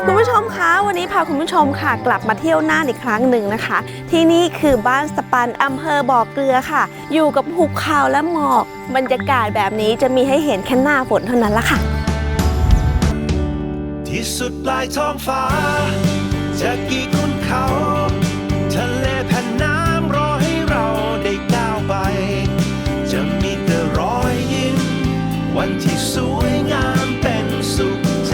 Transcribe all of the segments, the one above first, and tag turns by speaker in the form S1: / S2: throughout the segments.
S1: คุณผู้ชมคะวันนี้พาคุณผู้ชมค่ะกลับมาเที่ยวน่านอีกครั้งหนึ่งนะคะที่นี่คือบ้านสปันอำเภอบ่อเกลือค่ะอยู่กับภูเขาและหมอกบรรยากาศแบบนี้จะมีให้เห็นแค่หน้าฝนเท่านั้นละค่ะ
S2: ที่สุดปลายท้องฟ้าจะกี่ขุนเขาทะเลแผ่นน้ำรอให้เราได้ก้าวไปจะมีแต่รอยยิ้มวันที่สวยงามเป็นสุขใจ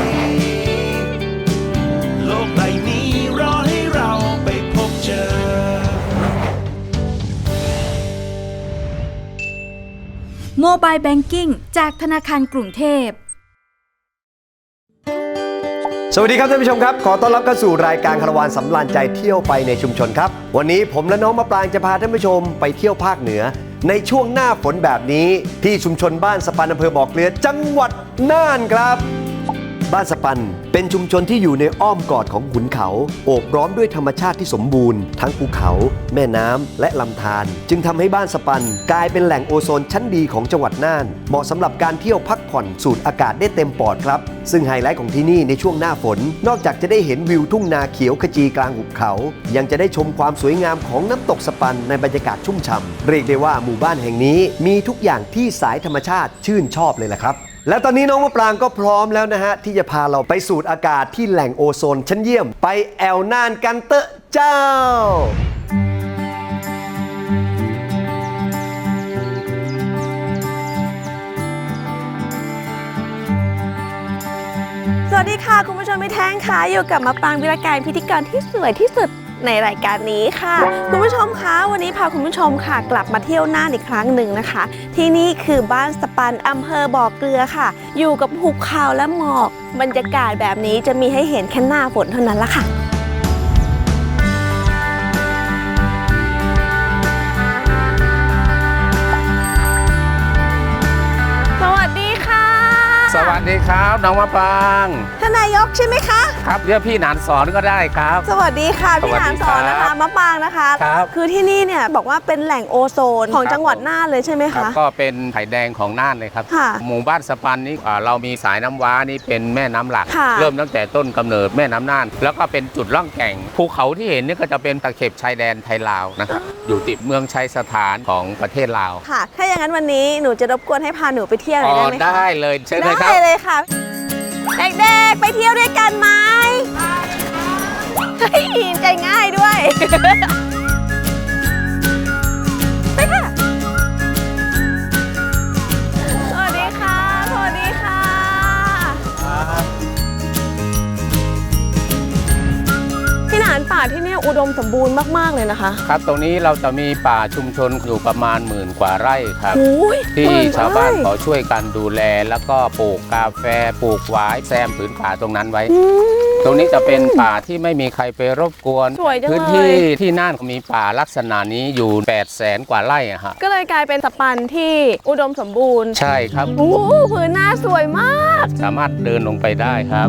S2: โลกใบนี้รอให้เราไปพบเจอ
S3: โมบายแบงกิ้งจากธนาคารกรุงเทพ
S4: สวัสดีครับท่านผู้ชมครับขอต้อนรับเข้าสู่รายการคาราวานสำราญใจเที่ยวไปในชุมชนครับวันนี้ผมและน้องมะปรางจะพาท่านผู้ชมไปเที่ยวภาคเหนือในช่วงหน้าฝนแบบนี้ที่ชุมชนบ้านสปันอำเภอบ่อเกลือจังหวัดน่านครับบ้านสปันเป็นชุมชนที่อยู่ในอ้อมกอดของขุนเขาโอบล้อมด้วยธรรมชาติที่สมบูรณ์ทั้งภูเขาแม่น้ำและลำธารจึงทำให้บ้านสปันกลายเป็นแหล่งโอโซนชั้นดีของจังหวัดน่านเหมาะสำหรับการเที่ยวพักผ่อนสูดอากาศได้เต็มปอดครับซึ่งไฮไลท์ของที่นี่ในช่วงหน้าฝนนอกจากจะได้เห็นวิวทุ่งนาเขียวขจีกลางหุบเขายังจะได้ชมความสวยงามของน้ำตกสปันในบรรยากาศชุ่มฉ่ำเรียกได้ว่าหมู่บ้านแห่งนี้มีทุกอย่างที่สายธรรมชาติชื่นชอบเลยล่ะครับและตอนนี้น้องมะปรางก็พร้อมแล้วนะฮะที่จะพาเราไปสูดอากาศที่แหล่งโอโซนชั้นเยี่ยมไปแอวน่านกันเตอะเจ้า
S1: สวัสดีค่ะคุณผู้ชมไม่แท้งค่ะอยู่กับมะปรางวิรการพิธีกรที่สวยที่สุดในรายการนี้ค่ะคุณผู้ชมคะวันนี้พาคุณผู้ชมค่ะกลับมาเที่ยวน่านอีกครั้งหนึ่งนะคะที่นี่คือบ้านสปันอำเภอบ่อเกลือค่ะอยู่กับภูเขาและหมอกบรรยากาศแบบนี้จะมีให้เห็นแค่หน้าฝนเท่านั้นละค่ะ
S5: สวัสดีครับน้องมะปราง
S1: ท่านนายกใช่ไหมคะ
S5: ครับเรียกพี่หนานสอนก็ได้ครับ
S1: สวัสดีค่ะพี่หนานสอนนะคะมะปรางนะคะ
S5: ครับ
S1: คือที่นี่เนี่ยบอกว่าเป็นแหล่งโอโซนของจังหวัดน่านเลยใช่ไหมคะ
S5: ก็เป็นไผ่แดงของน่านเลยครับหมู่บ้านสปันนี้เรามีสายน้ำว้านี่เป็นแม่น้ำหลักเริ่มตั้งแต่ต้นกำเนิดแม่น้ำน่านแล้วก็เป็นจุดล่องแก่งภูเขาที่เห็นนี่ก็จะเป็นตะเข็บชายแดนไทยลาวนะครับอยู่ติดเมืองชัยสถานของประเทศลาว
S1: ค่ะถ้าอย่างนั้นวันนี้หนูจะรบกวนให้พาหนูไปเที่ยวหน่อยได้ไหมคะ
S5: ได้เลยเชิญเลยครับ
S1: ได้เลยค่ะเด็กๆไปเที่ยวด้วยกันไหมเฮ้ยใจง่ายด้วยไปค่ะสวัสดีค่ะสวัสดีค่ะพี่หนานป่าที่นี่อุดมสมบูรณ์มากๆเลยนะคะ
S5: ครับตรงนี้เราจะมีป่าชุมชนอยู่ประมาณ10,000 กว่าไร่ครับที่ชาวบ้านเขาช่วยกันดูแลแล้วก็ปลูกกาแฟปลูกหวายแซมผืนป่าตรงนั้นไว้ตรงนี้จะเป็นป่าที่ไม่มีใครไปรบกวนพื้นที่ที่น่านมีป่าลักษณะนี้อยู่800,000 กว่าไร่ฮะ
S1: ก็เลยกลายเป็นสปันที่อุดมสมบูรณ์
S5: ใช่ครับ
S1: โอ้พื้นหน้าสวยมาก
S5: สามารถเดินลงไปได้ครับ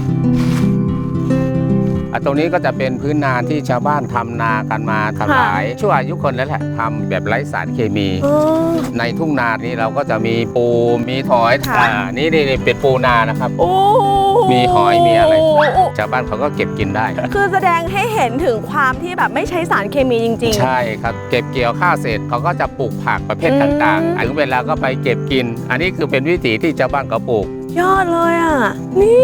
S5: ตรงนี้ก็จะเป็นพื้นนาที่ชาวบ้านทำนากันมาทำหลายชั่วอายุคนแล้วแหละทำแบบไร้สารเคมีในทุ่งนานี้เราก็จะมีปูมีหอยนี่เป็นปูนานะครับมีหอยมีอะไรชาวบ้านเขาก็เก็บกินได้
S1: คือแสดงให้เห็นถึงความที่แบบไม่ใช้สารเคมีจริง
S5: ๆใช่ครับเก็บเกี่ยวข้าวเสร็จเขาก็จะปลูกผักประเภทต่างๆถึงเวลาก็ไปเก็บกินอันนี้คือเป็นวิถีที่ชาวบ้านเขาปลูก
S1: ยอดเลยอ่ะนี่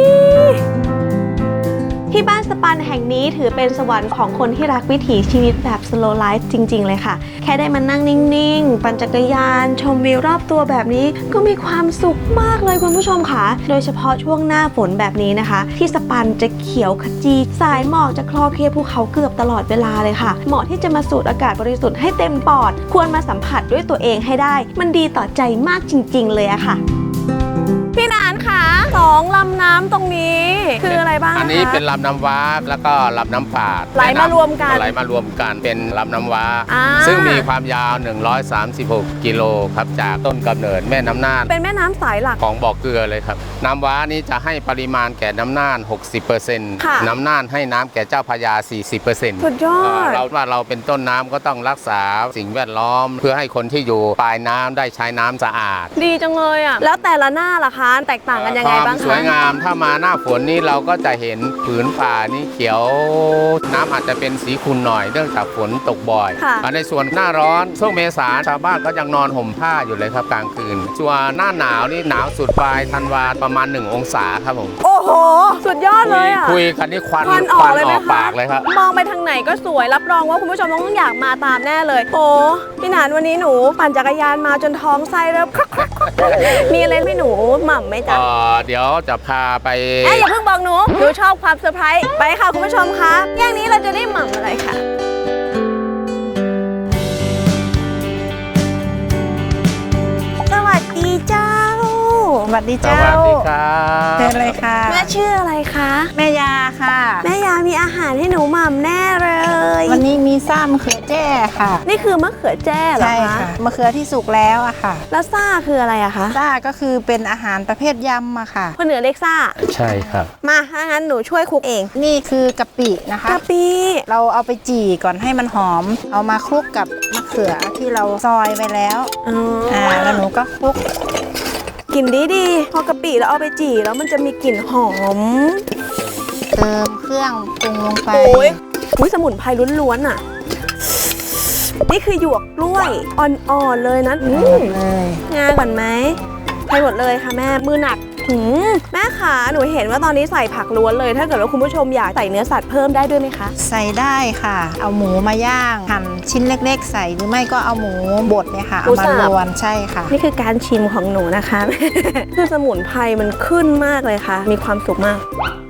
S1: ที่บ้านสปันแห่งนี้ถือเป็นสวรรค์ของคนที่รักวิถีชีวิตแบบ slow life จริงๆเลยค่ะแค่ได้มานั่งนิ่งๆปั่นจักรยานชมวิวรอบตัวแบบนี้ก็มีความสุขมากเลยคุณผู้ชมค่ะโดยเฉพาะช่วงหน้าฝนแบบนี้นะคะที่สปันจะเขียวขจีสายหมอกจะคลอเคลียภูเขาเกือบตลอดเวลาเลยค่ะเหมาะที่จะมาสูดอากาศบริสุทธิ์ให้เต็มปอดควรมาสัมผัสด้วยตัวเองให้ได้มันดีต่อใจมากจริงๆเลยอะค่ะพี่นานค่ะ2ลำน้ำตรงนี้คืออะไรบ้าง
S5: อันนี้เป็นลำน้ำว้าแล้วก็ลำน้ำปาด
S1: ไหลมารวม
S5: กันเป็นลำน้ำว้าซึ่งมีความยาว136 กิโลครับจากต้นกำเนิดแม่น้ำน่าน
S1: เป็นแม่น้ำสายหลัก
S5: ของบ่อเกลือเลยครับน้ำว้านี้จะให้ปริมาณแก่น้ำน่าน 60% น้ำน่านให้น้ำแก่เจ้าพระยา 40%
S1: สุดยอด
S5: เราเป็นต้นน้ำก็ต้องรักษาสิ่งแวดล้อมเพื่อให้คนที่อยู่ปลายน้ำได้ใช้น้ำสะอาด
S1: ดีจังเลยอ่ะแล้วแต่ละหน้าล่ะคะแตกต่างกันยังไงบ้างคะ
S5: สวยงามถ้ามาหน้าฝนนี้เราก็จะเห็นผืนป่านี่เขียวน้ำอาจจะเป็นสีขุ่นหน่อยเนื่องจากฝนตกบ่อย
S1: ค่ะ
S5: ในส่วนหน้าร้อนช่วงเมษาชาวบ้านก็ยังนอนห่มผ้าอยู่เลยครับกลางคืนส่วนหน้าหนาวนี่หนาวสุดปลายธันวาประมาณ1 องศาครับผม
S1: โอ้โห สุดยอดเลยอ่ะ
S5: คุยกันนี่ควัน
S1: ควันออกเลยไหมคะ
S5: ปากเลยครับ
S1: มองไปทางไหนก็สวยรับรองว่าคุณผู้ชมต้องอยากมาตามแน่เลยโอ้พี่หนานวันนี้หนูปั่นจักรยานมาจนท้องไส้เริ่ม มีอะไรให้หนูหม่ำไหมจ๊ะ
S5: เดี๋ยวจะพาไป
S1: อย่าเพิ่งบอกหนูชอบความเซอร์ไพรส์ไปค่ะคุณผู้ชมคะอย่างนี้เราจะได้หม่ำอะไรค่ะสวัสดีเจ้า
S6: สวัสดี
S5: ส
S6: เจ้า
S5: วัสดีครับ
S6: เชิญเลยค่ะ
S1: แม่ชื่ออะไรคะ
S6: แม่ยาค่ะ
S1: แม่ยามีอาหารให้หนูหม่ำแน่เลย
S6: วันนี้มีซ่ามะเขือแจ้ค่ะ
S1: นี่คือมะเขือแจ้เหรอ
S6: ใช่
S1: คะ
S6: ค่ะมะเขือที่สุกแล้วอะค่ะ
S1: แล้วซ่าคืออะไรอะคะ
S6: ซ่าก็คือเป็นอาหารประเภทยำอะค่ะ
S1: คนเหนือเรียกซ่า
S5: ใช่ครับ
S1: มาถ้างั้นหนูช่วยคลุกเอง
S6: นี่คือกะปินะคะ
S1: กะปิ
S6: เราเอาไปจี่ก่อนให้มันหอม เอามาคลุกกับมะเขือที่เราซอยไว้แล้ว
S1: อ๋อ
S6: แล้วหนูก็คลุก
S1: กลิ่นดีพอกะปิแล้วเอาไปจี่แล้วมันจะมีกลิ่นหอม
S6: เติมเครื่องปรุงลงไป
S1: อุ้ยสมุนไพรล้วนๆอ่ะ นี่คือหยวกกล้วยอ่อนๆเลยนะ
S6: หมดเลย
S1: งาก่อนไหมไปหมดเลยค่ะแม่มือหนักแม่ขาหนูเห็นว่าตอนนี้ใส่ผักล้วนเลย ถ้าเกิดว่าคุณผู้ชมอยากใส่เนื้อสัตว์เพิ่มได้ด้วยไหมคะ
S6: ใส่ได้ค่ะ เอาหมูมาย่างหั่นชิ้นเล็กๆ ใส่หรือไม่ก็เอาหมูบดเนี่ยค่ะ เอามาลวนใช่ค่ะ
S1: นี่คือการชิมของหนูนะคะ คือสมุนไพรมันขึ้นมากเลยค่ะ มีความสุขมาก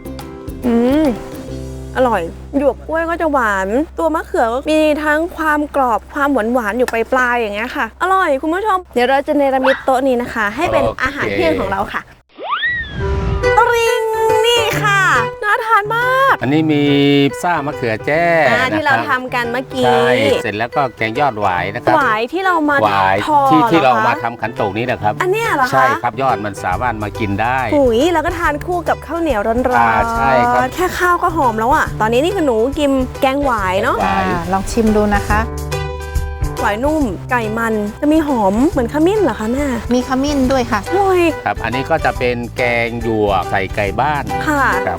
S1: อร่อยหยวกกล้วยก็จะหวาน ตัวมะเขือก็มีทั้งความกรอบความหวานๆอยู่ปลายๆอย่างเงี้ยค่ะ อร่อยคุณผู้ชม เดี๋ยวเราจะเนรมิตโต๊ะนี้นะคะ ให้เป็น
S5: โอเค
S1: อาหารเที่ยงของเราค่ะตริงนี่ค่ะน่าทานมาก
S5: อันนี้มีซ่ามะเขือแจ้
S1: ที่เรา
S5: นะคบ
S1: ทำกันเมื่อกี้
S5: ใช่เสร็จแล้วก็แกงยอดหวายนะครับ
S1: หวายที่เรามา
S5: หวาย
S1: ทอ
S5: ที่
S1: หอ
S5: เรา
S1: คะ
S5: มาทำขันโตกนี้นะครับ
S1: อันเนี้ยเหรอคะ
S5: ใช่ครับยอดมันสามารถมากินได้
S1: หุยแล้วก็ทานคู่กับข้าวเหนียวร้อน
S5: ใช่ครับ
S1: แค่ข้าวก็หอมแล้วอ่ะตอนนี้นี่คือหนูกินแกงหวายเนาะ
S5: หวาย
S6: ลองชิมดูนะคะ
S1: หวายนุ่มไก่มันจะมีหอมเหมือนขมิ้นเหรอคะแม่
S6: มีขมิ้นด้วยค่ะ
S1: อร่อย
S5: ครับ อันนี้ก็จะเป็นแกงหยวกใส่ไก่บ้าน
S1: ค่ะ
S5: ครับ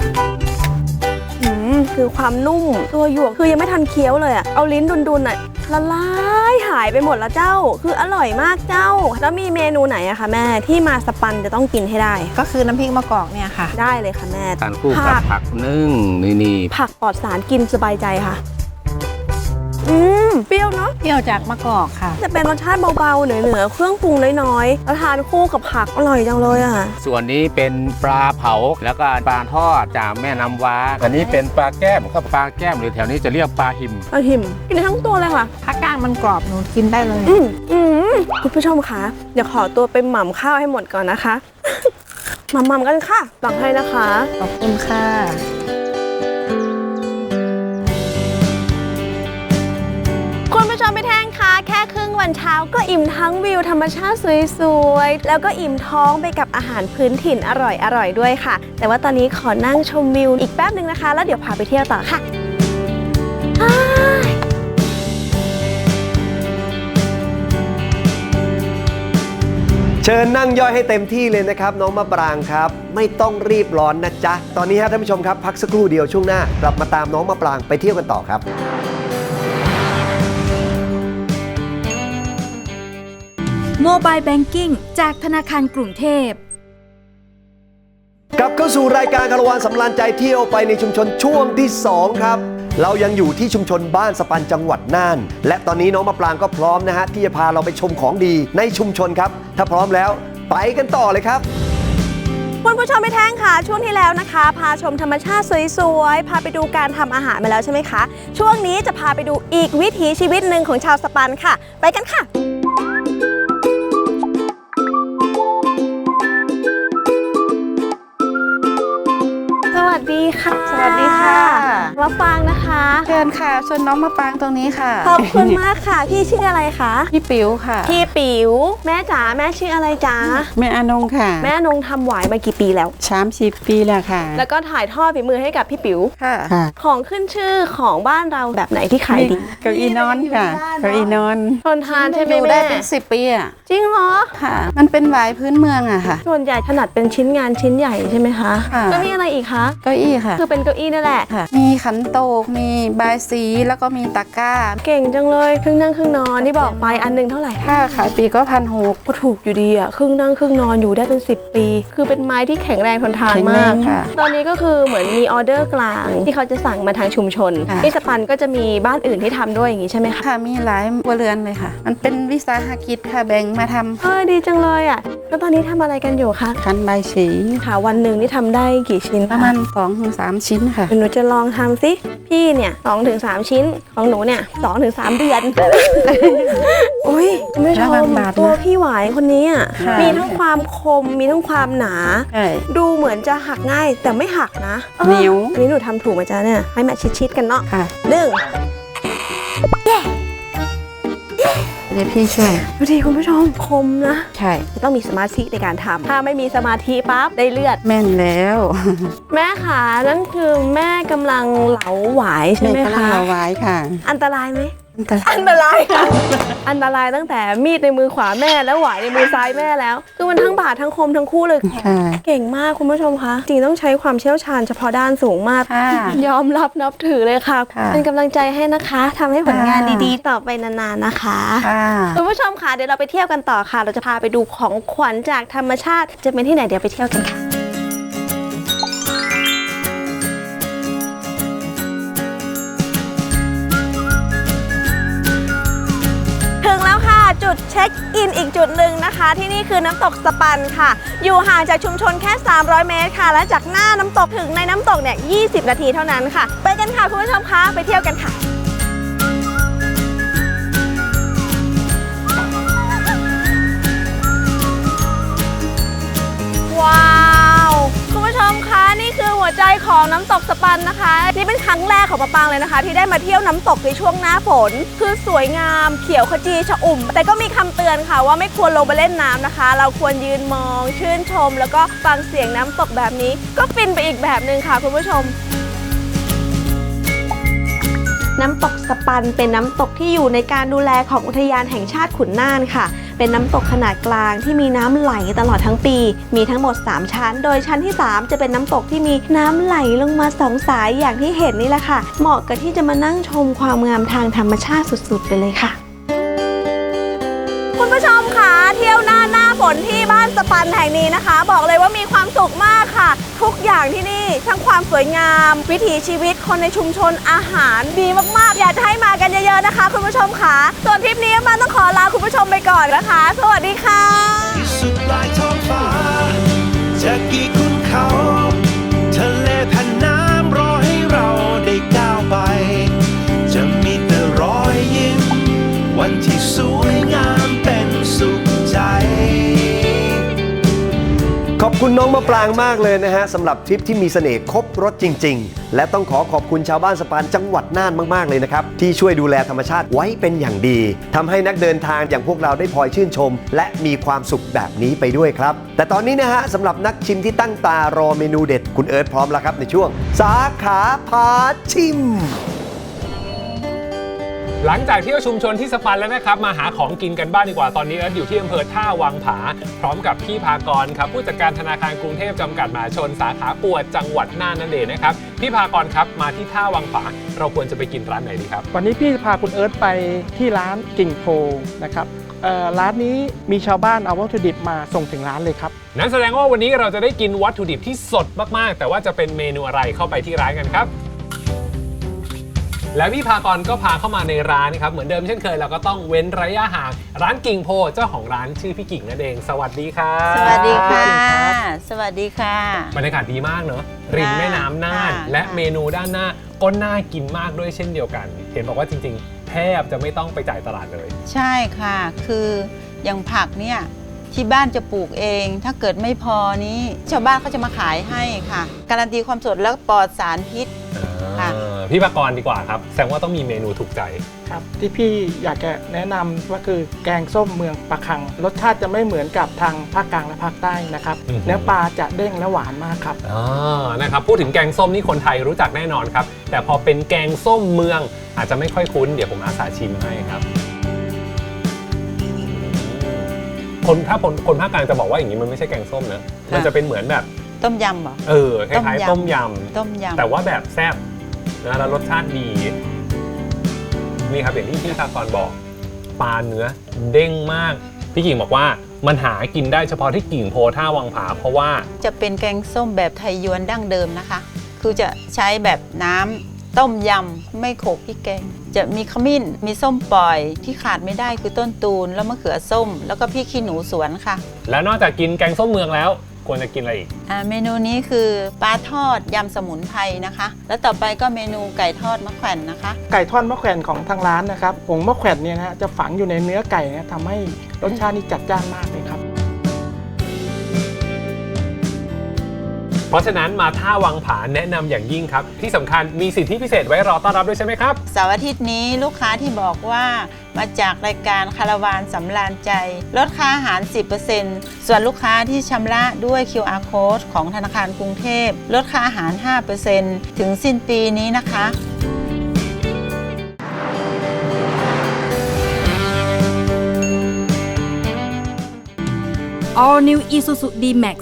S1: คือความนุ่มตัวหยวกคือยังไม่ทันเคี้ยวเลยอะเอาลิ้นดุนๆอะละลายหายไปหมดแล้วเจ้า คืออร่อยมากเจ้า แล้วมีเมนูไหนอะคะแม่ที่มาสปันจะต้องกินให้ได้
S6: ก็คือน้ำพริกมะกอกเนี่ยค่ะ
S1: ได้เลยค่ะแม่
S5: ทานคู่กับผักนึ่งนี่
S1: ผักปลอดสารกินสบายใจค่ะเปรี้ยวเนาะ
S6: เปรี้ยวจากมะกอกค่ะ
S1: จะเป็นรสชาติเบาๆเหนือๆเครื่องปรุงน้อยๆแล้วทานคู่กับผักอร่อยจังเลยอะ
S5: ส่วนนี้เป็นปลาเผาแล้วก็ปลาทอดจากแม่น้ำว้า อันนี้เป็นปลาแก้มครับปลาแก้มหรือแถวนี้จะเรียกปลาหิม
S1: อหิมกินได้ทั้งตัวเลยค่ะ
S6: ถ้าก้างมันกรอบหนูกินได้เลย
S1: คุณผู้ชมคะเดี๋ยวขอตัวไปหม่ำข้าวให้หมดก่อนนะคะ หม่ำๆกันค่ะหลังให้นะคะ
S6: ขอบคุณค่ะ
S1: คุณผู้ชมไปแท่งคะแค่ครึ่งวันเช้าก็อิ่มทั้งวิวธรรมชาติสวยๆแล้วก็อิ่มท้องไปกับอาหารพื้นถิ่นอร่อยๆด้วยค่ะ แต่ว่าตอนนี้ขอนั่งชมวิวอีกแป๊บนึงนะคะ แล้วเดี๋ยวพาไปเที่ยวต่อค่ะ
S4: เชิญนั่งย่อยให้เต็มที่เลยนะครับน้องมะปรางครับ ไม่ต้องรีบร้อนนะจ๊ะ ตอนนี้ฮะท่านผู้ชมครับพักสักครู่เดียวช่วงหน้ากลับมาตามน้องมะปรางไปเที่ยวกันต่อครับ
S3: โมบายแบงกิ้งจากธนาคารกรุงเทพ
S4: กลับเข้าสู่รายการคารวานสำราญใจเที่ยวไปในชุมชนช่วงที่ 2 ครับ เรายังอยู่ที่ชุมชนบ้านสปันจังหวัดน่าน และตอนนี้น้องมะปรางก็พร้อมนะฮะที่จะพาเราไปชมของดีในชุมชนครับ ถ้าพร้อมแล้วไปกันต่อเลยครับ
S1: คุณผู้ชมไปแท่งค่ะช่วงที่แล้วนะคะ พาชมธรรมชาติสวยๆพาไปดูการทำอาหารมาแล้วใช่ไหมคะช่วงนี้จะพาไปดูอีกวิถีชีวิตหนึ่งของชาวสปันค่ะ ไปกันค่ะ สวัสดีค่ะ
S6: สวัสดีค่ะ
S1: มะปรางนะคะ
S6: เชิญค่ะชวนน้องมาปางตรงนี้ค่ะ
S1: ขอบคุณมากค่ะพี่ชื่ออะไรคะ
S6: พี่ปิ๋วค่ะ
S1: พี่ปิ๋วแม่จ๋าแม่ชื่ออะไรจ๋า
S7: แม่อานงค่ะ
S1: แม่นงทำหวายมากี่ปีแล้ว
S7: 30 ปีแล้วค่ะ
S1: แล้วก็ถ่ายทอดฝีมือให้กับพี่ปิ๋ว
S6: ค่ะ
S7: ค่ะ
S1: ของขึ้นชื่อของบ้านเราแบบไหนที่ขายดี
S7: เก้าอี้นอนค่ะ เก้าอี้นอน
S1: ทนทานใช่ไหม
S7: อยู่ได้
S1: แม่
S7: เป็น10 ปีอ่ะ
S1: จริงเหรอ
S7: ค่ะ มันเป็นหวายพื้นเมืองอะค่ะ
S1: ส่วนใหญ่ถนัดเป็นชิ้นงานชิ้นใหญ่ใช่ไหมคะ
S7: ค่ะ
S1: ก็มีอะไรอีกคะ
S7: ก็าอี้ค่ะ
S1: คือเป็นเก้าอี้นั่นแหละ
S7: ค่ะ มีขันโตกมีบายสีแล้วก็มีตะกร้า
S1: เก่งจังเลยครึ่งนั่งครึ่งนอนที่บอกไปอันหนึงเท่าไหร่
S7: ถ้าขายปีก็1,600
S1: ก็ถูกอยู่ดีอ่ะครึ่งนั่งครึ่งนอนอยู่ได้เป็น10 ปี คือเป็นไม้ที่แข็งแรงทนทาน
S7: แข็งแร
S1: มาก
S7: งค่ะ
S1: ตอนนี้ก็คือเหมือนมีออเดอร์กลางที่เขาจะสั่งมาทางชุมชน
S7: ค่ะ
S1: ที่สปันก็จะมีบ้านอื่นที่ทำด้วยอย่างนี้ใช่ไหมคะ
S7: ค่ะมีหลายครัวเรือนเลยค่ะ มันเป็นวิสาหกิจค่ะแบ่งมาทำ
S1: ดีจังเลยอ่ะแล้วตอนนี้ทำอะไรกันอยู่คะ
S7: คันใบสี
S1: ค่ะวันหนึ่งนี่ทำได้กี่ชิ้น
S7: ประมาณ2-3 ชิ้นค่ะ
S1: หนูจะลองทำสิพี่เนี่ย2-3 ชิ้นของหนูเนี่ย2-3 เดือน อุ้ยคุณผู้ช
S7: ระวั
S1: ม
S7: งบาดนะ
S1: ตัวพี่หวายคนนี้อ่ะ
S7: ค่ะ
S1: มีทั้งความคมมีทั้งความหนา
S7: ใช่
S1: ดูเหมือนจะหักง่ายแต่ไม่หักนะ
S7: เหนียว
S1: อันนี้หนูทำถูกไหมจ๊ะเนี่ยให้แมทชิดๆกันเนาะ
S7: ค่ะ
S1: หนึ่ง
S7: เดี๋ยวพี่ช่วย
S1: ดูดิคุณผู้ชมคมนะ
S7: ใช่
S1: จะต้องมีสมาธิในการทำถ้าไม่มีสมาธิปั๊บได้เลือด
S7: แม่นแล้ว
S1: แม่ขานั่นคือแม่กำลังเหลาหวายใช่
S7: แม่
S1: ไหม
S7: กำลัง
S1: คะ
S7: เอาไว้ค่ะ
S1: อันตรายไหม
S7: อันตราย
S1: อันตรายค่ะ อันตรายตั้งแต่มีดในมือขวาแม่แล้วหวายในมือซ้ายแม่แล้ว คือมันทั้งบาดทั้งคมทั้งคู่เลย
S7: ค่ะ
S1: เก่งมากคุณผู้ชมคะจริงต้องใช้ความเชี่ยวชาญเฉพาะด้านสูงมาก
S7: ค่ะ
S1: ยอมรับนับถือเลยค่ะ
S7: ค่ะ
S1: เป็นกำลังใจให้นะคะทำให้ผลงาน
S7: ค่ะ
S1: ดีๆ ต่อไปนานๆนะคะ
S7: ค่ะ
S1: คุณผู้ชมค่ะเดี๋ยวเราไปเที่ยวกันต่อค่ะ เราจะพาไปดูของขวัญจากธรรมชาติ จะเป็นที่ไหนเดี๋ยวไปเที่ยวกันค่ะ ถึงแล้วค่ะจุดเช็คอินอีกจุดหนึ่งนะคะ ที่นี่คือน้ำตกสปันค่ะ อยู่ห่างจากชุมชนแค่ 300 เมตรค่ะ และจากหน้าน้ำตกถึงในน้ำตกเนี่ย 20 นาทีเท่านั้นค่ะ ไปกันค่ะคุณผู้ชมคะไปเที่ยวกันค่ะ ว้าวคุณผู้ชมคะนี่คือหัวใจของน้ำตกสปันนะคะนี่เป็นครั้งแรกของปะปางเลยนะคะ ที่ได้มาเที่ยวน้ำตกในช่วงหน้าฝน คือสวยงามเขียวขจีชอุ่ม แต่ก็มีคำเตือนค่ะว่าไม่ควรลงไปเล่นน้ำนะคะ เราควรยืนมองชื่นชม แล้วก็ฟังเสียงน้ำตกแบบนี้ ก็ฟินไปอีกแบบหนึ่งค่ะคุณผู้ชม น้ำตกสปันเป็นน้ำตกที่อยู่ในการดูแลของอุทยานแห่งชาติขุนน่านค่ะ เป็นน้ำตกขนาดกลางที่มีน้ำไหลตลอดทั้งปี มีทั้งหมด 3 ชั้น โดยชั้นที่ 3 จะเป็นน้ำตกที่มีน้ำไหลลงมา2 สายอย่างที่เห็นนี่แหละค่ะ เหมาะกับที่จะมานั่งชมความงามทางธรรมชาติสุดๆไปเลยค่ะ คุณผู้ชมค่ะเที่ยวหน้าฝนที่บ้านสปันแห่งนี้นะคะ บอกเลยว่ามีความสุขมากค่ะ ทุกอย่างที่นี่ทั้งความสวยงาม วิถีชีวิตคนในชุมชนอาหารดีมากๆ อยากจะให้มากันเยอะๆนะคะ คุณผู้ชมค่ะส่วนทริปนี้มันต้องขอลาคุณผู้ชมไปก่อนนะคะ สวัสดีค่ะ
S2: ที่สุดปลายท้องฟ้าจะกี่ขุนเขา ทะเลแผ่นน้ำรอให้เราได้ก้าวไป จะมีแต่รอยยิ้มวันที่สวยงามเป็นสุขใจ
S4: ขอบคุณน้องมะปรางมากเลยนะฮะสำหรับทริปที่มีเสน่ห์ครบรสจริง ๆ และต้องขอบคุณชาวบ้านสปันจังหวัดน่านมากๆเลยนะครับที่ช่วยดูแลธรรมชาติไว้เป็นอย่างดีทำให้นักเดินทางอย่างพวกเราได้พลอยชื่นชม และมีความสุขแบบนี้ไปด้วยครับแต่ตอนนี้นะฮะสำหรับนักชิมที่ตั้งตารอเมนูเด็ดคุณเอิร์ธพร้อมแล้วครับในช่วงสาขาพาชิม
S8: หลังจากเที่ยวชุมชนที่สปันแล้วนะครับมาหาของกินกันบ้างดีกว่าตอนนี้เอิร์ธอยู่ที่อำเภอท่าวังผาพร้อมกับพี่ภากรครับผู้จัดการธนาคารกรุงเทพจำกัดมหาชนสาขาปัวจังหวัดน่านนั่นเองนะครับพี่ภากรครับมาที่ท่าวังผาเราควรจะไปกินร้านไหนดีครับ
S9: วันนี้พี่พาคุณเอิร์ธไปที่ร้านกิ่งโพนะครับร้านนี้มีชาวบ้านเอาวัตถุดิบมาส่งถึงร้านเลยครับ
S8: นั้นแสดงว่าวันนี้เราจะได้กินวัตถุดิบที่สดมากๆแต่ว่าจะเป็นเมนูอะไรเข้าไปที่ร้านกันครับและพี่ภากรก็พาเข้ามาในร้านครับเหมือนเดิมเช่นเคยเราก็ต้องเว้นระยะห่างร้านกิ่งโพเจ้าของร้านชื่อพี่กิ่งนั่นเองสวัสดีครับ
S7: สวัสดีค่ะ สวัสดีค่ะ
S8: บรรยากาศดีมากเนอะริมแม่น้ำน่าน
S7: ค่ะ
S8: และเมนูด้านหน้าก็น่ากินมากด้วยเช่นเดียวกัน เห็นบอกว่าจริงๆแทบจะไม่ต้องไปจ่ายตลาดเลย
S7: ใช่ค่ะ คืออย่างผักเนี่ยที่บ้านจะปลูกเอง ถ้าเกิดไม่พอนี้ชาวบ้านเขาจะมาขายให้ค่ะ การันตีความสดแล้วปลอดสารพิษ ค่ะ
S8: พี่ภากรดีกว่าครับแสดงว่าต้องมีเมนูถูกใจ
S9: ครับที่พี่อยากจะแนะนำก็คือแกงส้มเมืองปะคัง รสชาติจะไม่เหมือนกับทางภาคกลางและภาคใต้นะครับ
S8: อือฮึ
S9: เนื้อปลาจะเด้งและหวานมากครับ
S8: นะครับพูดถึงแกงส้มนี่คนไทยรู้จักแน่นอนครับแต่พอเป็นแกงส้มเมืองอาจจะไม่ค่อยคุ้นเดี๋ยวผมอาสาชิมให้ครับถ้าคนภาคกลางจะบอกว่าอย่างนี้มันไม่ใช่แกงส้มนะมันจะเป็นเหมือนแบบ
S7: ต้มยำเหรอ
S8: คล้ายๆต้มย
S7: ต้ม
S8: ำ
S7: ยำ
S8: แต่ว่าแบบแซ่บนะแล้วรสชาติดีนี่ครับอย่างที่พี่ภากรบอกปลาเนื้อเด้งมากพี่กิ่งบอกว่ามันหากินได้เฉพาะที่กิ่งโพท่าวังผาเพราะว่า
S7: จะเป็นแกงส้มแบบไทยยวนดั้งเดิมนะคะ คือจะใช้แบบน้ำต้มยำไม่โขลกพริกแกง จะมีขมิ้นมีส้มปล่อยที่ขาดไม่ได้คือต้นตูนแล้วมะเขือส้ม แล้วก็พริกขี้หนูสวนค่ะ
S8: แล้วนอกจากกินแกงส้มเมืองแล้วควรจะกินอะไรอีก
S7: เมนูนี้คือปลาทอดยำสมุนไพรนะคะ แล้วต่อไปก็เมนูไก่ทอดมะแขวนนะคะ
S9: ไก่ทอดมะแขวนของทางร้านนะครับผงมะแขวนเนี่ยนะฮะจะฝังอยู่ในเนื้อไก่นะทำให้รสชาตินี่จัดจ้านมากเลยครับ
S8: เพราะฉะนั้นมาท่าวังผาแนะนำอย่างยิ่งครับที่สำคัญมีสิทธิพิเศษไว้รอต้อนรับด้วยใช่ไหมครับ
S7: เสาร์อาทิตย์นี้ลูกค้าที่บอกว่ามาจากรายการคาราวานสำราญใจ ลดค่าอาหาร 10% ส่วนลูกค้าที่ชำระด้วย QR Code ของธนาคารกรุงเทพลดค่าอาหาร 5% ถึงสิ้นปีนี้นะคะ
S3: All New Isuzu D-Max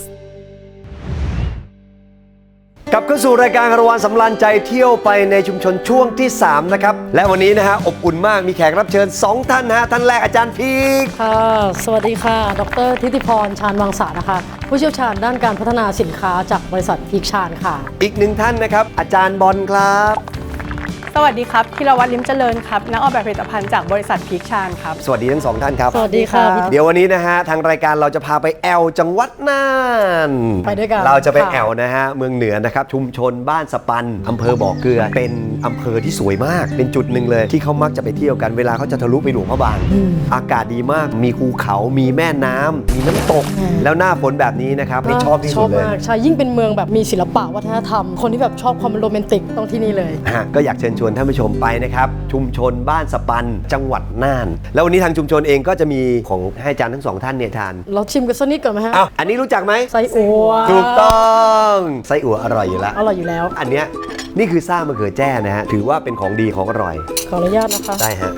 S4: กลับเข้าสู่รายการคารวานสำราญใจเที่ยวไปในชุมชนช่วงที่ 3 นะครับ และวันนี้นะฮะอบอุ่นมากมีแขกรับเชิญ 2 ท่านนะฮะท่านแรกอาจารย์พีก
S10: ค่ะสวัสดีค่ะ ดร.ทิติพร ชาญวังสานะคะ ผู้เชี่ยวชาญด้านการพัฒนาสินค้าจากบริษัทพีคชาญค่ะ
S4: อีก 1 ท่านนะครับอาจารย์บอลครับ
S11: สวัสดีครับธีรวัฒน์ลิ้มเจริญครับนักออกแบบผลิตภัณฑ์จากบริษัทพีคชาญครับ
S4: สวัสดีทั้ง 2 ท่านครับ
S10: สวัสดีค่ะ
S4: เดี๋ยววันนี้นะฮะทางรายการเราจะพาไปแอวจังหวัดน่าน
S10: ไปด้วยกัน
S4: เราจะไป
S10: ค่ะ
S4: แอวนะฮะเมืองเหนือนะครับชุมชนบ้านสปันอำเภอบ่อเกลือเป็นอำเภอที่สวยมาก เป็นจุดหนึ่งเลยที่เขามักจะไปเที่ยวกันเวลาเขาจะทะลุไปหลวงพระบางอากาศดีมากมีภูเขามีแม่น้ำมีน้ำตก แล้วหน้าฝนแบบนี้นะครับนี่ชอบที่สุดเลย
S10: มากใช่ยิ่งเป็นเมืองแบบมีศิลปะวัฒนธรรม คนที่แบบชอบความโรแมนติกต้องที่นี่เลย
S4: ก็อยากเชิญชวนท่านผู้ชมไปนะครับชุมชนบ้านสปันจังหวัดน่าน แล้ววันนี้ทางชุมชนเองก็จะมีของให้อาจารย์ทั้ง 2 ท่านเนี่ยทาน
S10: เราชิมกันสักนิดก่อนไหมฮะ
S4: อ้าวอันนี้รู้จักไหม
S10: ไส้อั่ว
S4: ถูกต้องไส้อั่วอร่อยอยู่แล้ว
S10: อร่อยอยู่แล้ว
S4: อันเนี้ยนี่คือซ่ามะเขือแจ้นะฮะถือว่าเป็นของดีของอร่อย
S10: ขออนุญาตนะคะ
S4: ได้ฮะ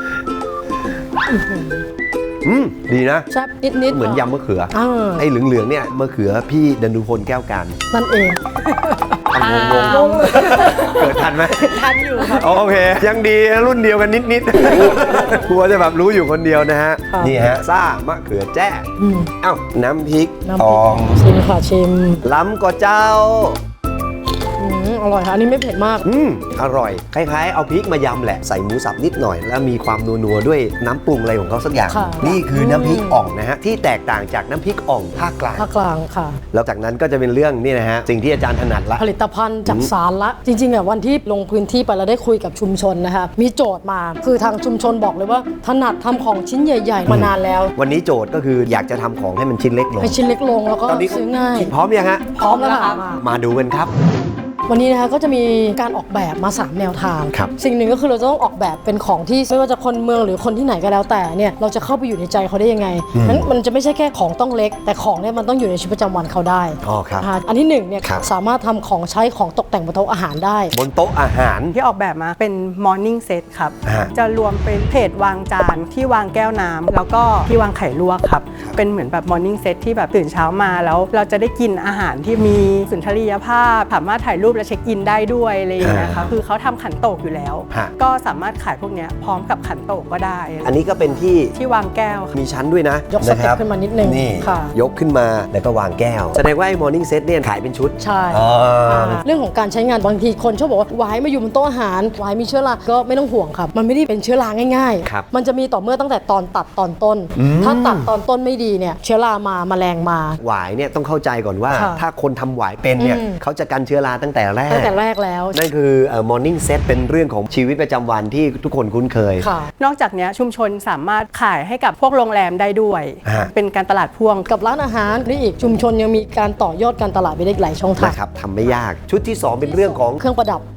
S4: ดีนะ
S10: แซ่บนิดๆ
S4: เหมือนยำมะเขือ
S10: อ่า
S4: ไอ้เหลืองๆเนี่ยมะเขือพี่ดันดูพลแก้วการ
S10: นั่นเอง
S4: งงเกิดทันไหม
S10: ทันอยู่ครับ
S4: โอเค ยังดีรุ่นเดียวกันนิดๆ กลัวจะแบบรู้อยู่คนเดียวนะฮะ
S10: ค่ะ
S4: นี่ฮะซ่ามะเขือแจ้เอ้าน้ำพริก
S10: น้ำ
S4: ท
S10: พริ
S4: อก ง
S10: ชิมค่ะชิม
S4: ล้ำก็เจ้า
S10: อร่อยค่ะอันนี้ไม่เผ็ดมาก
S4: อร่อย คล้ายๆ เอาพริกมายำแหละ ใส่หมูสับนิดหน่อย แล้วมีความนัวๆด้วยน้ำปรุงอะไรของเขาสักอย่าง
S10: ค่ะ
S4: นี่คือน้ำพริกอ่องนะฮะ ที่แตกต่างจากน้ำพริกอ่องภาคกลาง
S10: ภาคกลางค่ะ
S4: แล้วจากนั้นก็จะเป็นเรื่องนี่นะฮะ สิ่งที่อาจารย์ถนัดละ
S10: ผลิตภัณฑ์จากสารละ จริงๆอ่ะวันที่ลงพื้นที่ไปเราได้คุยกับชุมชนนะคะมีโจทย์มาคือทางชุมชนบอกเลยว่าถนัดทำของชิ้นใหญ่ ๆ มานานแล้ว
S4: วันนี้โจทย์ก็คืออยากจะทำของให้มันชิ้นเล็กลง
S10: ให้ชิ้นเล็กลงแล้วก็
S4: ตอนนี้
S10: ซื้อง่าย
S4: พร้อมยังฮะ
S10: พร้อมแล้วค่ะ
S4: มาดูกันครับ
S10: วันนี้นะคะก็จะมีการออกแบบมา 3 แนวทาง
S4: ครับ
S10: สิ่งหนึ่งก็คือเราจะต้องออกแบบเป็นของที่ไม่ว่าจะคนเมืองหรือคนที่ไหนก็แล้วแต่เนี่ยเราจะเข้าไปอยู่ในใจเขาได้ยังไงนั้นมันจะไม่ใช่แค่ของต้องเล็ก แต่ของเนี่ยมันต้องอยู่ในชีวิตประจำวันเขาได้
S4: อ๋อครับ
S10: อันที่หนึ่งเนี่ย
S4: ครับ
S10: สามารถทำของใช้ของตกแต่งบนโต๊ะอาหารได้
S4: บนโต๊ะอาหาร
S11: ที่ออกแบบมาเป็น Morning Set ครับ
S4: ฮะ
S11: จะรวมเป็นเพจวางจานที่วางแก้วน้ำแล้วก็ที่วางไข่ลวกครับ เป็นเหมือนแบบ Morning Set ที่แบบตื่นเช้ามาแล้วเราจะได้กินอาหารที่มีสุนทรียภาพสามารถถ่ายรูปและเช็คอินได้ด้วยอะไรอย่างเงี้ยครับคือเขาทำขันโตกอยู่แล้ว
S4: ฮะ
S11: ก็สามารถขายพวกเนี้ยพร้อมกับขันโตกก็ได้
S4: อันนี้ก็เป็นที่
S11: ที่วางแก้วครับ
S4: มีชั้นด้วยนะ
S10: ยกสเต็ป
S4: ะครับ
S10: ขึ้นมานิดนึง
S4: นี่
S10: ค่ะ
S4: ยกขึ้นมาแล้วก็วางแก้ว แสดงว่าไอ้ morning set เนี่ยขายเป็นชุด
S10: ใช่
S4: อ๋อ
S10: เรื่องของการใช้งานบางทีคนชอบบอกว่าหวายมาอยู่บนโต๊ะอาหารหวายมีเชื้อราก็ไม่ต้องห่วงครับ มันไม่ได้เป็นเชื้อราง่าย
S4: ครับ
S10: มันจะมีต่อเมื่อตั้งแต่ตอนตัดตอนต้น ถ้าตัดตอนต้นไม่ดีเนี่ยเชื้อรามาแมลงมา
S4: หวายเนี่ยต้องเข้าใจก่อนว่า
S10: ค่ะ
S4: ถ้าคนทำหวายเป็นเนี่ย
S10: อืม
S4: เขาจะกันเชื้อราตั้งแต่แรก
S10: ตั้งแต่แรกแล้ว
S4: นั่นคือmorning set เป็นเรื่องของชีวิตประจำวันที่ทุกคนคุ้นเคย
S10: ค่ะ
S11: นอกจากเนี้ยชุมชนสามารถขายให้กับพวกโรงแรมได้ด้วย
S4: ฮะ
S11: เป็นการตลาดพ่วง
S10: กับร้านอาหารนี่อีกชุมชนยังมีการต่อยอดการตลาดไปได้อีกหลายช่องทาง
S4: นะครับทำไม่ยากชุดที่ 2 เป็นเรื่องของ
S10: เครื่องประดับ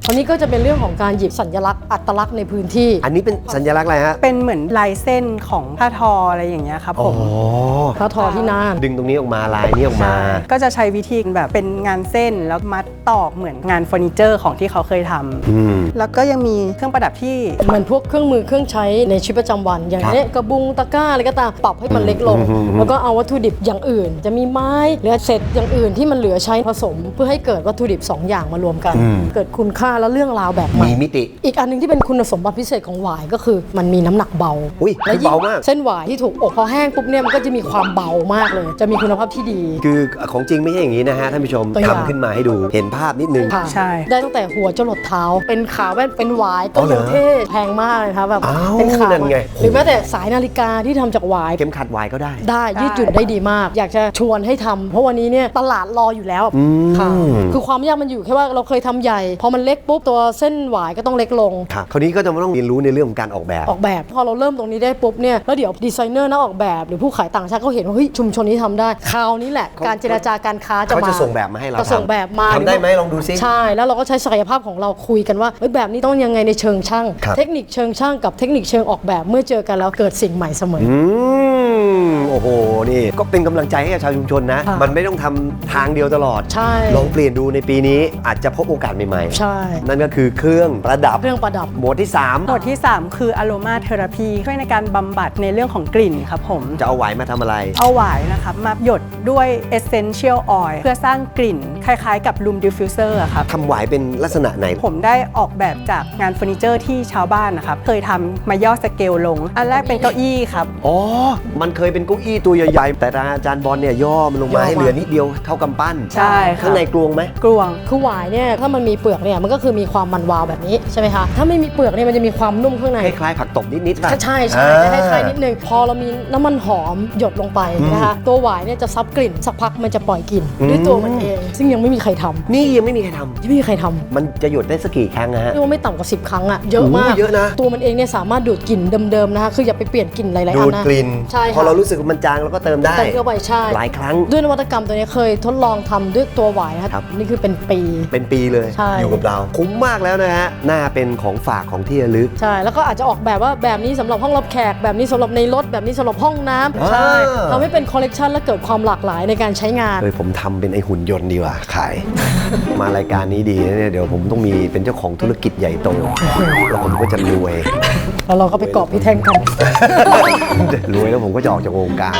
S10: อันนี้ก็จะเป็นเรื่องของการหยิบสัญลักษณ์อัตลักษณ์ในพื้นที่
S4: อันนี้เป็นสัญลักษณ์อะไรฮะ
S11: เป็นเหมือนลายเส้นของผ้าทออะไรอย่างเงี้ยครับผม
S10: พระทอที่น่าน
S4: ดึงตรงนี้ออกมาลายนี้ออกมา
S11: ก็จะใช้วิธีแบบเป็นงานเส้นแล้วมัดตอกเหมือนงานเฟอร์นิเจอร์ของที่เขาเคยทำแล้วก็ยังมีเครื่องประดับที่
S10: เหมือนพวกเครื่องมือเครื่องใช้ในชีวิตประจำวัน อย่างนี้กระบุงตะกร้าอะไรก็ตามปรับให้มันเล็กลง แล้วก็เอาวัตถุดิบอย่างอื่น จะมีไม้หรือเศษอย่างอื่นที่มันเหลือใช้ผสม เพื่อให้เกิดวัตถุดิบ2อย่างมารวมกัน เกิดคุณค่าและเรื่องราวแบบใหม่
S4: มีมิติ
S10: อีกอันหนึงที่เป็นคุณสมบัติพิเศษของหวายก็คือมันมีน้ำหนักเบา
S4: อุ้ย
S10: และยิ่ง
S4: เบามาก
S10: เส้นหวายที่ถูกอบพอแห้งปุ๊บเนี่ยมันก็จะมีความเบามากเลย จะมีคุณภาพที่ดี
S4: คือของจริงไม่ใช่อย่างนี้นะฮะท่านผู้ชม
S10: ตัวอย่าง
S4: ทำขึ้นมาให้ดูเห็นภาพนิดนึง
S10: ค่ะ
S11: ใช่
S10: ได้ตั้งแต่หัวจรดเท้า เป็นขาแว่นเป็นหวาย
S4: อ๋
S10: ก็
S4: อเหร
S10: ยั
S4: อ
S10: งเท่แพงมากเลยครับแบบ
S4: อ้าว
S10: เป็นขา
S4: นั่นไง
S10: หรือแม้แต่สายนาฬิกาที่ทำจากหวาย
S4: เข็มขัดวายก็ได้
S10: ได้ยืดหยุ่นได้ดีมาก อยากจะชวนให้ทำเพราะวันนี้เนี่ยตลาดรออยู่แล้วค่ะคือความยากมันอยู่แค่ว่าเราเคยทำใหญ่ พอมันเล็กปุ๊บตัวเส้นหวายก็ต้องเล็กลง
S4: ครับคราวนี้ก็จะต้องเรียนรู้ในเรื่องของการออกแบบ
S10: ออกแบบพอเราเริ่มตรงนี้ได้ปุ๊บเนี่ยแล้วเดี๋ยวดีไซเนอร์นักออกแบบหรือผู้ขายต่างชาติเขาเห็นว่าเฮ้ยชุมชนนี้ทำได้คราวนี้แหละการเจรจาการค้าจะ
S4: เขา
S10: มา
S4: จะส่งแบบมาให้เรา
S10: จะส่งแบบมา
S4: ทำได้ไหมลองดูซิ
S10: ใช่แล้วเราก็ใช้ศักยภาพของเราคุยกันว่าเฮ้ยแบบนี้ต้องยังไงในเชิงช่าง
S4: ครับ
S10: เทคนิคเชิงช่างกับเทคนิคเชิงออกแบบเมื่อเจอกันแล้วเกิดสิ่งใหม่เสมอ
S4: โอ้โหนี่ก็เป็นกำลังใจให้กับชาวชุมชนนะ
S10: ค่ะ
S4: มันไม่ต้องทำทางเดียวตลอด
S10: ใช่
S4: ลองเปลี่ยนดูในปีนี้อาจจะพบโอกาสใหม่
S10: ใช่
S4: ๆ นั่นก็คือเครื่องประดับ
S10: เครื่องประดับ
S4: หมวดที่
S11: หมวดที่ 3 คือ Aroma Therapy ช่วยในการบำบัดในเรื่องของกลิ่นครับผม
S4: 3 จะเอาไหวมาทำอะไร
S11: เอาหวายนะครับมาหยดด้วย Essential Oil เพื่อสร้างกลิ่นคล้ายๆกับ Room Diffuser อะครับ
S4: ทำไหวเป็นลักษณะไหน
S11: ผมได้ออกแบบจากงานเฟอร์นิเจอร์ที่ชาวบ้านนะครับ เคยทำมาย่อสเกลลง อันแรกเป็นเก้าอี้ครับ
S4: อ๋อ มันเคยเป็นเก้าอี้ตัวใหญ่ๆ แต่ทางอาจารย์บอลเนี่ยย่อมันลงมาให้เหลือนิดเดียวเท่ากำปั้น
S11: ใช่ครับ
S4: ข้างในกลวงไหม
S11: กลวง
S10: คือหวายเนี่ยถ้ามันมีเปลือกเนี่ยมันก็คือมีความมันวาวแบบนี้ใช่ไหมคะถ้าไม่มีเปลือกเนี่ยมันจะมีความนุ่มข้างใน
S4: คล้ายๆผักตบนิดๆป่ะ
S10: ใช่ใช่จะคล้ายๆนิดนึงพอเรามีน้ำมันหอมหยดลงไปนะคะตัวหวายเนี่ยจะซับกลิ่นสักพักมันจะปล่อยกลิ่นด้วยตัวมันเอง ซึ่งยังไม่มีใครทำ
S4: นี่ยังไม่มีใครท
S10: ยังไม่มีใครทำ
S4: ำมันจะหยดได้สักกี่ครั้งนะฮะ
S10: เรียกว่าไม่ต่ำกว่า10 ครั้งอะเยอะมาก
S4: โอ้เยอะนะ
S10: ตัวมันเองเนี่ยสามารถดูดกลิ่นเดิมๆนะคะคืออย่าไปเปลี่ยนกลิ่นหลายๆ
S4: ดู
S10: อัน
S4: ด
S10: นะ
S4: กลิ่น
S10: ใช่
S4: พอ
S10: ค่ะ
S4: เรารู้สึกว่ามันจางเราก็เติมได้
S10: เติมเข้าไปใช่
S4: หลายครั้ง
S10: ด้วยนวัตกรรมตัวนี้เคยทดลองทำด้วยตัวหวายนะ
S4: ครั
S10: ครับ บนี่คือเป็นปี
S4: เป็นปีเลย
S10: ใช่
S4: อยู่กับเรา คุ้มมากแล้วนะฮะ น่าเป็นของฝากของที่ระลึก
S10: ใช่แล้วก็อาจจะออกแบบว่าแบบนี้สำหรับห้องรับแขกแบบนี้สำหรับในรถแบบนี้สำหรับห้องน้ำใช่ทำให้เป็นคอลเลกชันและเกิดความหลากหลายในการใช้งาน
S4: เลยผมทำเป็นไอหุ่นยนต์ดีกว่าขาย มารายการนี้ดีนะเนี่ยเดี๋ยวผมต้องมีเป็นเจ้าของธุรกิจใหญ่โตแล้วผมก็จะรวย
S10: แล้วเราก็ไปเกาะพี่แท่งกัน
S4: รวยแล้วผมก็จะออกจากวงการ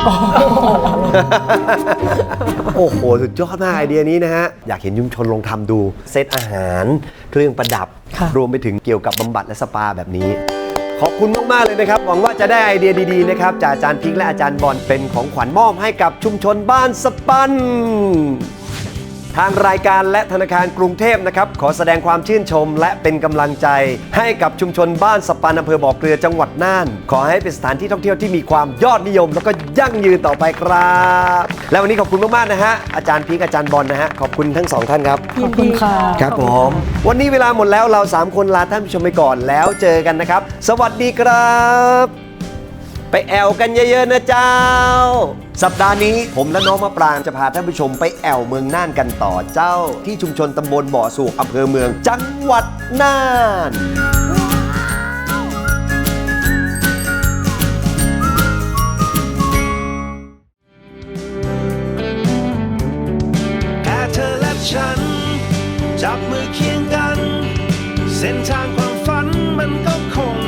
S4: โอ้โห สุดยอดมากไอเดียนี้นะฮะ อยากเห็นชุมชนลองทำดูเซตอาหารเครื่องประดับ
S10: ค่ะ
S4: รวมไปถึงเกี่ยวกับบำบัดและสปาแบบนี้ ขอบคุณมาก ๆ เลยนะครับ หวังว่าจะได้ไอเดียดี ๆ นะครับ จากอาจารย์พิงค์และอาจารย์บอลเป็นของขวัญมอบให้กับชุมชนบ้านสปัน ทางรายการและธนาคารกรุงเทพนะครับขอแสดงความชื่นชมและเป็นกำลังใจให้กับชุมชนบ้านสปันอำเภอบ่อเกลือจังหวัดน่าน ขอให้เป็นสถานที่ท่องเที่ยวที่มีความยอดนิยม แล้วก็ยั่งยืนต่อไปครับ และวันนี้ขอบคุณมากๆนะฮะอาจารย์พิงค์อาจารย์บอลนะฮะขอบคุณทั้งสองท่านครับ
S10: ขอบคุณค่ะ
S4: ครับผมวันนี้เวลาหมดแล้วเรา3คนลาท่านผู้ชมไปก่อนแล้วเจอกันนะครับ สวัสดีครับ ไปแอวกันเยอะๆนะเจ้า สัปดาห์นี้ผมและน้องมะปรางจะพาท่านผู้ชมไปแอวเมืองน่านกันต่อเจ้า ที่ชุมชนตำบลบ่อสูกอำเภอเมืองจังหวัดน่าน
S2: แค่เธอและฉัน จับมือเคียงกัน เส้นทางความฝันมันก็คง